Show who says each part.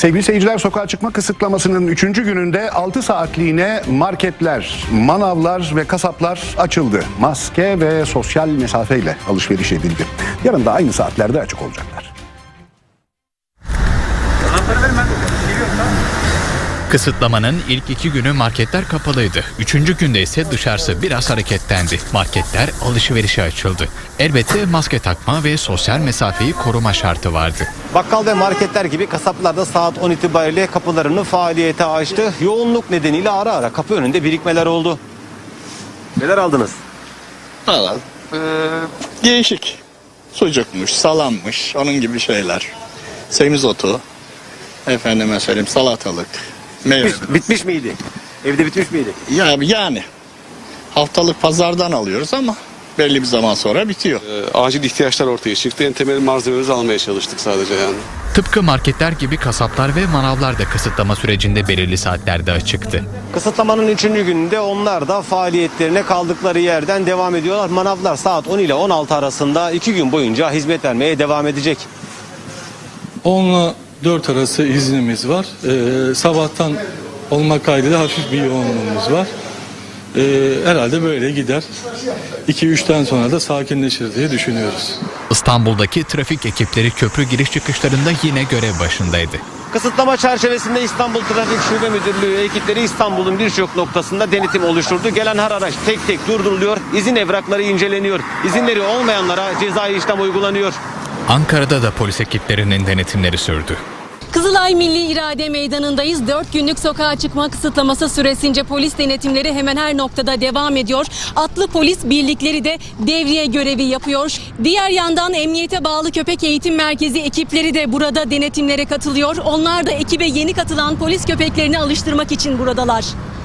Speaker 1: Sevgili seyirciler, sokağa çıkma kısıtlamasının 3. gününde 6 saatliğine marketler, manavlar ve kasaplar açıldı. Maske ve sosyal mesafeyle alışveriş edildi. Yarın da aynı saatlerde açık olacaklar.
Speaker 2: Kısıtlamanın ilk 2 günü marketler kapalıydı. 3. günde ise dışarısı biraz hareketlendi. Marketler alışverişe açıldı. Elbette maske takma ve sosyal mesafeyi koruma şartı vardı.
Speaker 3: Bakkal ve marketler gibi kasaplar da saat 10 itibariyle kapılarını faaliyete açtı. Yoğunluk nedeniyle ara ara kapı önünde birikmeler oldu. Neler aldınız?
Speaker 4: Valla değişik. Sucukmuş, salammış, onun gibi şeyler. Semizotu, efendime söyleyeyim salatalık, meyve.
Speaker 3: Bitmiş miydi? Evde bitmiş miydi?
Speaker 4: Yani haftalık pazardan alıyoruz ama belli bir zaman sonra bitiyor.
Speaker 5: Acil ihtiyaçlar ortaya çıktı. En temel malzemelerimizi almaya çalıştık sadece yani.
Speaker 2: Tıpkı marketler gibi kasaplar ve manavlar da kısıtlama sürecinde belirli saatlerde açıktı.
Speaker 3: Kısıtlamanın 3. gününde onlar da faaliyetlerine kaldıkları yerden devam ediyorlar. Manavlar saat 10 ile 16 arasında 2 gün boyunca hizmet vermeye devam edecek.
Speaker 6: 10 ile 4 arası iznimiz var. Sabahtan olmak kaydıyla hafif bir yoğunluğumuz var. Herhalde böyle gider. 2-3'ten sonra da sakinleşir diye düşünüyoruz.
Speaker 2: İstanbul'daki trafik ekipleri köprü giriş çıkışlarında yine görev başındaydı.
Speaker 3: Kısıtlama çerçevesinde İstanbul Trafik Şube Müdürlüğü ekipleri İstanbul'un birçok noktasında denetim oluşturdu. Gelen her araç tek tek durduruluyor, izin evrakları inceleniyor. İzinleri olmayanlara cezai işlem uygulanıyor.
Speaker 2: Ankara'da da polis ekiplerinin denetimleri sürdü.
Speaker 7: Kızılay Milli İrade Meydanı'ndayız. 4 günlük sokağa çıkma kısıtlaması süresince polis denetimleri hemen her noktada devam ediyor. Atlı polis birlikleri de devriye görevi yapıyor. Diğer yandan emniyete bağlı köpek eğitim merkezi ekipleri de burada denetimlere katılıyor. Onlar da ekibe yeni katılan polis köpeklerini alıştırmak için buradalar.